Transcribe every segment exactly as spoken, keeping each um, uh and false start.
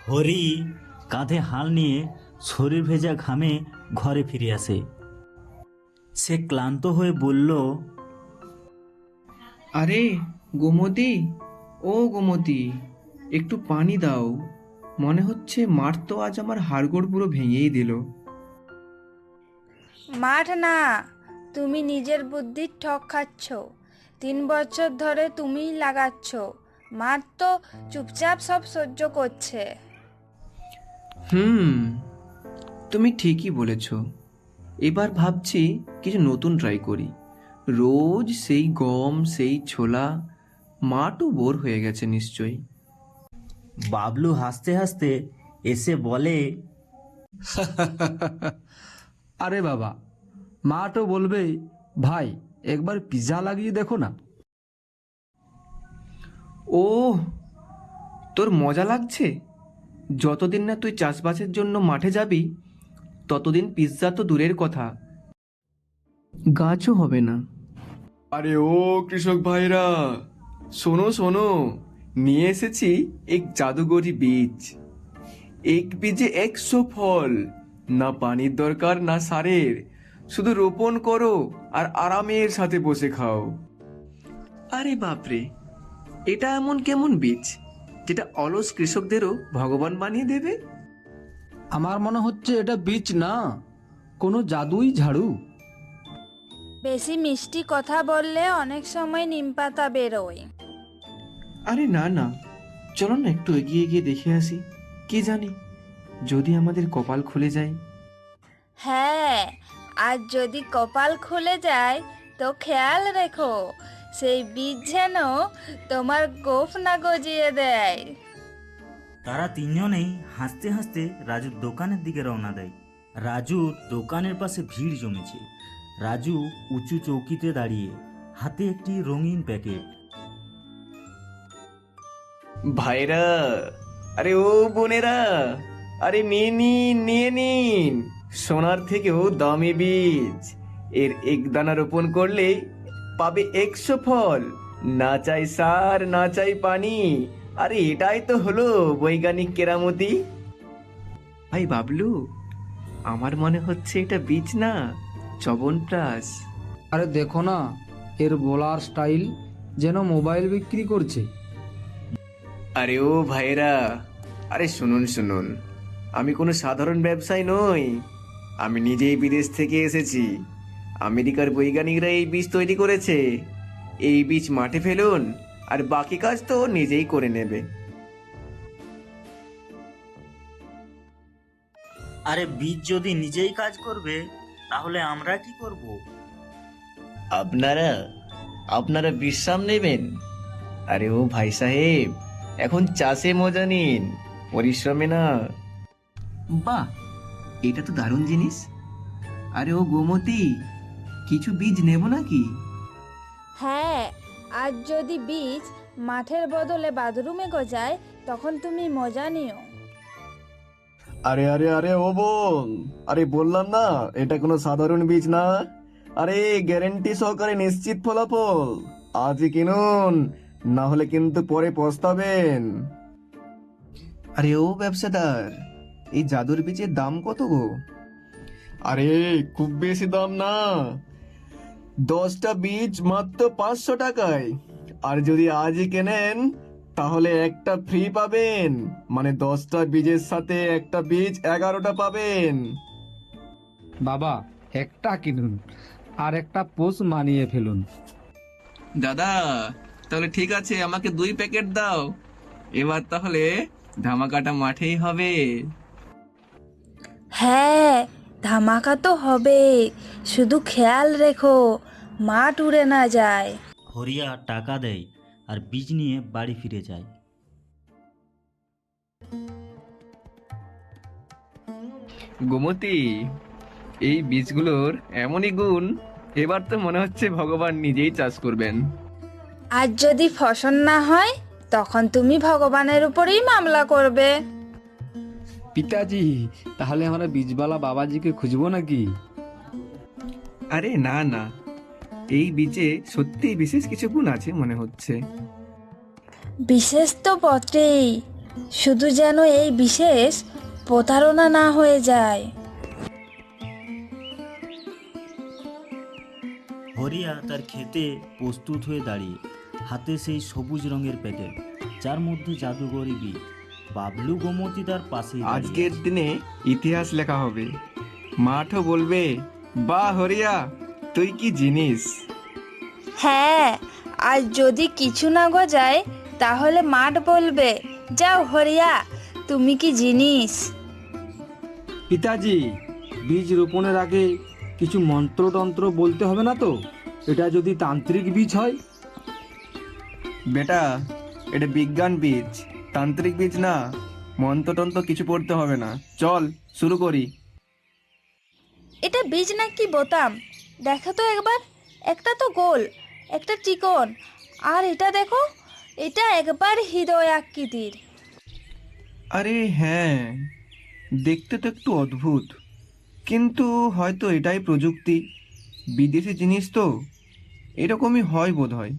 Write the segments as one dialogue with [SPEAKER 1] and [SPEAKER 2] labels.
[SPEAKER 1] হরি কাঁধে হাল নিয়ে শরীর ভেজা ঘামে ঘরে ফিরে আসে। সে ক্লান্ত হয়ে বলল,
[SPEAKER 2] আরে গোমতী, ও গোমতী, একটু পানি দাও। মনে হচ্ছে মাঠ তো আজ আমার হাড়গোড় পুরো ভেঙেই দিল।
[SPEAKER 3] মাঠ না, তুমি নিজের বুদ্ধির ঠক খাচ্ছ। তিন বছর ধরে তুমিই লাগাচ্ছ, মাঠ তো চুপচাপ সব সহ্য করছে।
[SPEAKER 2] হুম, তুমি ঠিকই বলেছ। এবার ভাবছি কিছু নতুন ট্রাই করি। রোজ সেই গম, সেই ছোলা, মাঠও বোর হয়ে গেছে নিশ্চয়ই।
[SPEAKER 1] বাবলু হাসতে হাসতে এসে বলে,
[SPEAKER 4] আরে বাবা, মা তো বলবে, ভাই একবার পিৎজা লাগিয়ে দেখো না।
[SPEAKER 2] ও, তোর মজা লাগছে? যতদিন না তুই চাষবাসের জন্য মাঠে যাবি ততদিন পিৎজা তো দূরের কথা, গাছও হবে না। আরে ও কৃষক ভাইরা, শোনো শোনো, নিয়ে এসেছি এক জাদুগরি বীজ। এক বীজে একশো ফল। না পানির দরকার না সারের, শুধু রোপণ করো আর আরামের সাথে বসে খাও। আরে বাপরে, এটা এমন কেমন বীজ যেটা অলস কৃষকদেরও ভগবান বানিয়ে দেবে?
[SPEAKER 4] আমার মনে হচ্ছে এটা বীজ না, কোনো জাদুই ঝাড়ু।
[SPEAKER 3] বেশি মিষ্টি কথা বললে অনেক সময় নিমপাতা বেরোয়।
[SPEAKER 2] আরে না না, চলো না একটু এগিয়ে গিয়ে দেখে আসি। কি জানি, যদি আমাদের কপাল খুলে যায়।
[SPEAKER 3] হ্যাঁ, আর যদি কপাল খুলে যায় তো খেয়াল রেখো, সেই বীজ যেন তোমার গোফ না গজিয়ে দেয়।
[SPEAKER 1] তারা তিনজনেই হাসতে হাসতে রাজুর দোকানের দিকে রওনা দেয়। রাজুর দোকানের পাশে ভিড় জমেছে। রাজু উঁচু চৌকিতে দাঁড়িয়ে, হাতে একটি রঙিন প্যাকেট।
[SPEAKER 2] ভাইরা, আরে ও বোনেরা, আরে নিয়ে নিন নিয়ে নিন, সোনার থেকেও দামি বীজ। এর এক দানা রোপণ করলে পাবে একশো ফল। না চাই সার, না চাই পানি। আরে এটাই তো হলো বৈজ্ঞানিক কেরামতি। ভাই বাবলু, আমার মনে হচ্ছে এটা বীজ না, চবনপ্রাশ।
[SPEAKER 4] আরে দেখো না, এর বলার স্টাইল যেন মোবাইল বিক্রি করছে।
[SPEAKER 2] আরে ও ভাইরা, আরে শুনুন শুনুন, আমি কোনো সাধারণ ব্যবসায়ী নই। আমি নিজেই বিদেশ থেকে এসেছি। আমেরিকার বৈজ্ঞানিকরা এই বীজ তৈরি করেছে। এই বীজ মাঠে ফেলুন, আর বাকি কাজ তো ও নিজেই করে নেবে।
[SPEAKER 1] আরে বীজ যদি নিজেই কাজ করবে, তাহলে আমরা কি করব?
[SPEAKER 2] আপনারা আপনারা বিশ্রাম নেবেন? আরে ও ভাই সাহেব, এখন চাষে মজা নিন, পরিশ্রমে না। বাহ, এটা তো দারুণ জিনিস। আরে ও গোমতী, কিছু বীজ নেব নাকি?
[SPEAKER 3] হ্যাঁ, আর যদি বীজ মাঠের বদলে বাথরুমে গজায় তখন তুমি মজা নিও।
[SPEAKER 5] আরে আরে আরে ও বোন, আরে বললাম না এটা কোনো সাধারণ বীজ না। আরে গ্যারেন্টি সহকারে নিশ্চিত ফলাফল। আজই কিনুন, না হলে কিন্তু পরে পস্তাবেন।
[SPEAKER 2] আরে ও ব্যবসাদার, এই জাদুর বীজের দাম কত গো?
[SPEAKER 5] আরে খুব বেশি দাম না, দশটা বীজ মাত্র পাঁচশো টাকায়। আর যদি আজই কেনেন তাহলে একটা ফ্রি পাবেন, মানে দশটা বীজের সাথে একটা বীজ এগারোটা পাবেন।
[SPEAKER 4] বাবা, একটা কিনুন আর একটা পোষ মানিয়ে ফেলুন।
[SPEAKER 2] দাদা, তাহলে ঠিক আছে, আমাকে দুই প্যাকেট দাও। এবার তাহলে ধামাকাটা মাঠেই হবে।
[SPEAKER 3] হ্যাঁ, ধামাকা তো হবে, শুধু খেয়াল রেখো মাঠ উড়ে না যায়।
[SPEAKER 1] হরিয়া টাকা দেয় আর বীজ নিয়ে বাড়ি ফিরে যায়।
[SPEAKER 2] গোমতী, এই বীজগুলোর এমনই গুণ, এবার তো মনে হচ্ছে ভগবান নিজেই চাষ করবেন।
[SPEAKER 3] আর যদি ফসল না হয় তখন তুমি ভগবানের উপরেই মামলা করবে।
[SPEAKER 4] পিতাজি, তাহলে আমরা বীজবালা বাবাজিকে খুঁজবো নাকি?
[SPEAKER 2] আরে না না, এই বীজে সত্যিই বিশেষ কিছু গুণ আছে মনে হচ্ছে।
[SPEAKER 3] বিশেষ তো বটেই, শুধু যেন এই বিশেষ প্রতারণা না হয়ে যায়।
[SPEAKER 1] হরিয়া তার খেতে প্রস্তুত হয়ে দাঁড়িয়ে, হাতে সেই সবুজ রঙের প্যাকেট যার মধ্যে জাদুকরি বীজ। বাবলু গোমতী তার পাশেই দাঁড়িয়ে
[SPEAKER 5] আজকের
[SPEAKER 1] আছে।
[SPEAKER 5] দিনে ইতিহাস লেখা হবে, মাঠও বলবে বাহ হরিয়া তুই কি জিনিস।
[SPEAKER 3] হ্যাঁ, আর যদি কিছু না গজায় তাহলে মাঠ বলবে, যাও হরিয়া, তুমি কি জিনিস।
[SPEAKER 4] পিতাজি, বীজ রোপণের আগে কিছু মন্ত্রতন্ত্র বলতে হবে না তো? এটা যদি তান্ত্রিক বীজ হয়?
[SPEAKER 5] বেটা, এটা বিজ্ঞান বীজ, তান্ত্রিক বীজ না। মন্ত্রতন্ত্র কিছু পড়তে হবে না, চল শুরু করি।
[SPEAKER 3] এটা বীজ নাকি বোতাম? দেখো তো একবার, একটা তো গোল, একটা চিকন, আর এটা দেখো, এটা একবার হৃদয় আকৃতির।
[SPEAKER 5] আরে হ্যাঁ, দেখতে তো একটু অদ্ভুত, কিন্তু হয়তো এটাই প্রযুক্তি। বিদেশি জিনিস তো, এরকমই হয় বোধ হয়।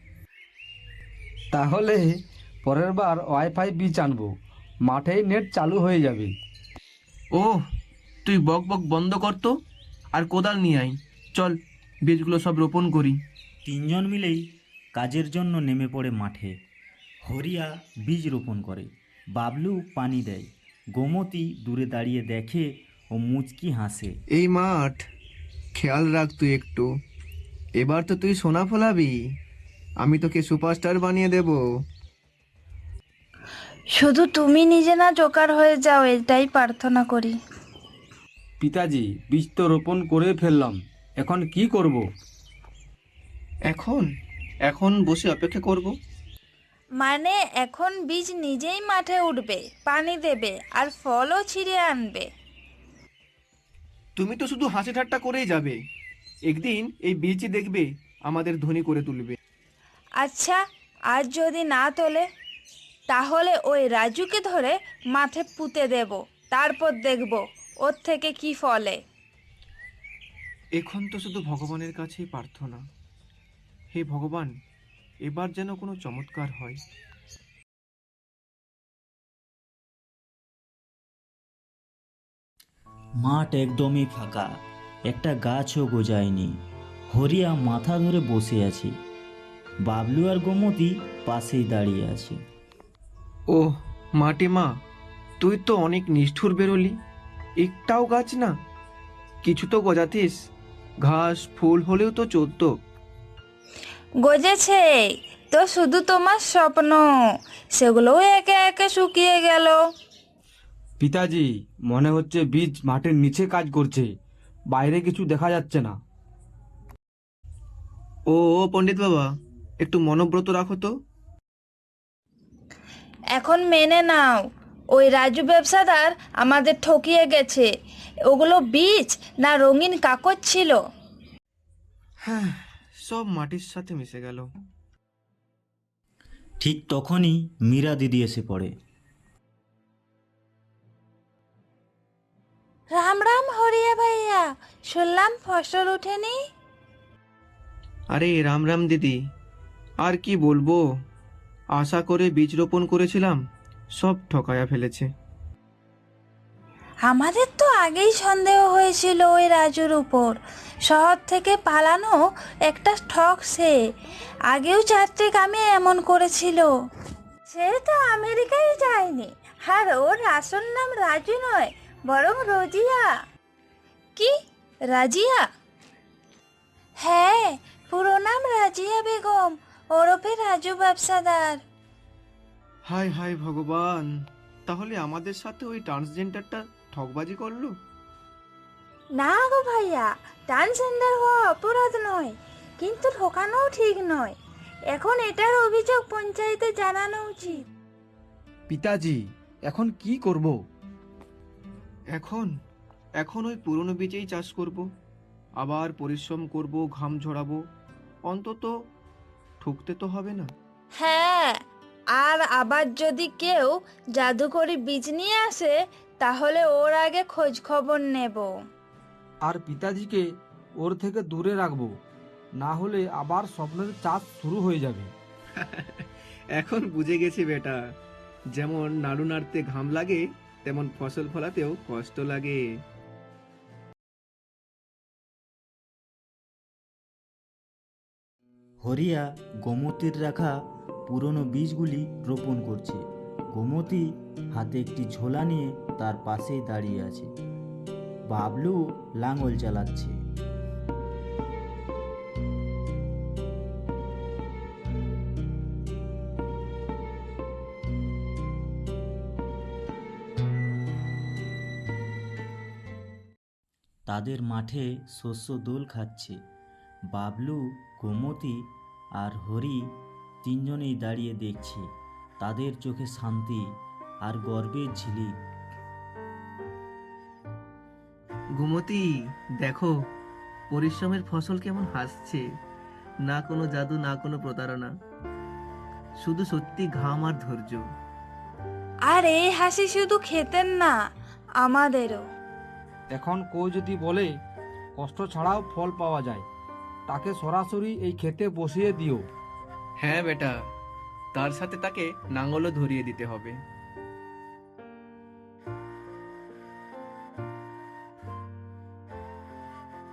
[SPEAKER 4] তাহলে পরের বার ওয়াইফাই বীজ আনবো, মাঠেই নেট চালু হয়ে যাবে।
[SPEAKER 5] ওহ, তুই বক বক বন্ধ কর তো, আর কোদাল নিয়ে আয়। চল বীজগুলো সব রোপণ করি।
[SPEAKER 1] তিনজন মিলেই কাজের জন্য নেমে পড়ে মাঠে। হরিয়া বীজ রোপণ করে, বাবলু পানি দেয়, গোমতী দূরে দাঁড়িয়ে দেখে ও মুচকি হাসে।
[SPEAKER 5] এই মাঠ, খেয়াল রাখ তুই একটু। এবার তো তুই সোনা ফলাবি, আমি তোকে সুপারস্টার বানিয়ে দেব।
[SPEAKER 3] শুধু তুমি নিজে না জোকার হয়ে যাও, এটাই প্রার্থনা করি।
[SPEAKER 4] পিতাজি, বীজ তো রোপণ করে ফেললাম, এখন কি করব?
[SPEAKER 5] এখন এখন বসে অপেক্ষা করব।
[SPEAKER 3] মানে এখন বীজ নিজেই মাঠে উঠবে, পানি দেবে, আর ফলও ছিঁড়ে আনবে।
[SPEAKER 5] তুমি তো শুধু হাসি ঠাট্টা করেই যাবে, একদিন এই বীজই দেখবে আমাদের ধনী করে তুলবে।
[SPEAKER 3] আচ্ছা, আর যদি না তোলে, তাহলে ওই রাজুকে ধরে মাঠে পুঁতে দেব, তারপর দেখব ওর থেকে কি ফলে।
[SPEAKER 5] এখন তো শুধু ভগবানের কাছেই প্রার্থনা, হে ভগবান, এবার যেন কোনো চমৎকার হয়।
[SPEAKER 1] মাঠ একদমই ফাঁকা, একটা গাছও গজায়নি। হরিয়া মাথা ধরে বসে আছে, বাবলু আর গোমতী পাশেই দাঁড়িয়ে আছে।
[SPEAKER 5] ওহ মাটি মা, তুই তো অনেক নিষ্ঠুর বেরোলি, একটাও গাছ না, কিছু তো গজাতিস, ঘাস ফুল হলেও তো চলতো।
[SPEAKER 3] গজেছে তো শুধু তোমার স্বপ্ন, সেগুলোও একে একে শুকিয়ে গেল।
[SPEAKER 4] পিতাজি, মনে হচ্ছে বীজ মাটির নিচে কাজ করছে, বাইরে কিছু দেখা যাচ্ছে না।
[SPEAKER 5] ও ও পণ্ডিত বাবা, একটু মনোব্রত রাখো তো।
[SPEAKER 3] এখন মেনে নাও, ওই রাজু ব্যবসাদার আমাদের ঠকিয়ে গেছে। ওগুলো বীজ না রঙিন কাগজ ছিল।
[SPEAKER 5] হ্যাঁ, সব মাটির সাথে মিশে গেল।
[SPEAKER 1] ঠিক তখনই মীরা দিদি এসে পড়ে।
[SPEAKER 3] রাম রাম হরিয়া ভাইয়া, শুনলাম ফসল ওঠেনি।
[SPEAKER 5] আরে রাম রাম দিদি, আর কি বলবো, আশা করে বীজ রোপণ করেছিলাম, সব ঠকায়া ফেলেছে।
[SPEAKER 3] আমাদের তো আগেই সন্দেহ হয়েছিল ওই রাজুর উপর। শহর থেকে পালানো একটা ঠক সে, আগেও চারটে কামে এমন করেছিল। সে তো আমেরিকায় যায়নি, আর ওর আসল নাম রাজু নয়, বরং রোজিয়া। কি, রাজিয়া? হ্যাঁ, পুরো নাম রাজিয়া বেগম, ওরফে রাজু ব্যবসাদার।
[SPEAKER 5] হায় হায় ভগবান, তাহলে আমাদের সাথে ওই ট্রান্সজেন্ডারটা ঠকবাজি করলো।
[SPEAKER 3] না গো ভাইয়া, ট্রান্সজেন্ডার হওয়া অপরাধ নয়, কিন্তু ঠকানোও ঠিক নয়। এখন এটার অভিযোগ পঞ্চায়েতে জানানো উচিত।
[SPEAKER 4] পিতাজি, এখন কি করব?
[SPEAKER 5] এখন এখন ওই পুরনো বীজেই চাষ করব, আবার পরিশ্রম করব, ঘাম ঝরাবো, অন্তত ঠকতে তো হবে না।
[SPEAKER 3] হ্যাঁ, আর আবার যদি কেউ জাদুকরি বীজ নিয়ে আসে, তাহলে ওর আগে খোঁজ খবর নেব।
[SPEAKER 4] আর পিতাজিকে ওর থেকে দূরে রাখবো, না হলে আবার স্বপ্নের চাষ শুরু হয়ে যাবে।
[SPEAKER 5] এখন বুঝে গেছি বেটা, যেমন নাড়ু নাড়তে ঘাম লাগে, তেমন ফসল ফলাতেও কষ্ট লাগে।
[SPEAKER 1] হরিয়া গোমতীর রাখা পুরনো বীজগুলি রোপণ করছে। গোমতী হাতে একটি ঝোলা নিয়ে তার পাশেই দাঁড়িয়ে আছে। বাবলু লাঙল চালাচ্ছে। তাদের মাঠে শস্য দোল খাচ্ছে। বাবলু, গোমতী আর হরি তিনজনেই দাঁড়িয়ে দেখছে। তাদের চোখে শান্তি আর গর্বের ঝিলিক।
[SPEAKER 5] গোমতী, দেখো পরিশ্রমের ফসল কেমন হাসছে। না কোনো জাদু, না কোনো প্রতারণা, শুধু সত্যি ঘাম আর ধৈর্য।
[SPEAKER 3] আর এই হাসি শুধু খেতেন না, আমাদেরও।
[SPEAKER 4] এখন কেউ যদি বলে কষ্ট ছাড়াও ফল পাওয়া যায়, তাকে সরাসরি এই ক্ষেতে বসিয়ে দিও।
[SPEAKER 5] হ্যাঁ বেটা, তার সাথে তাকে নাঙ্গলও ধরিয়ে দিতে হবে।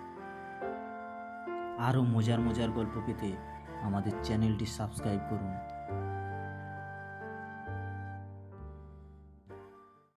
[SPEAKER 1] আরও মজার মজার গল্প পেতে আমাদের চ্যানেলটি সাবস্ক্রাইব করুন।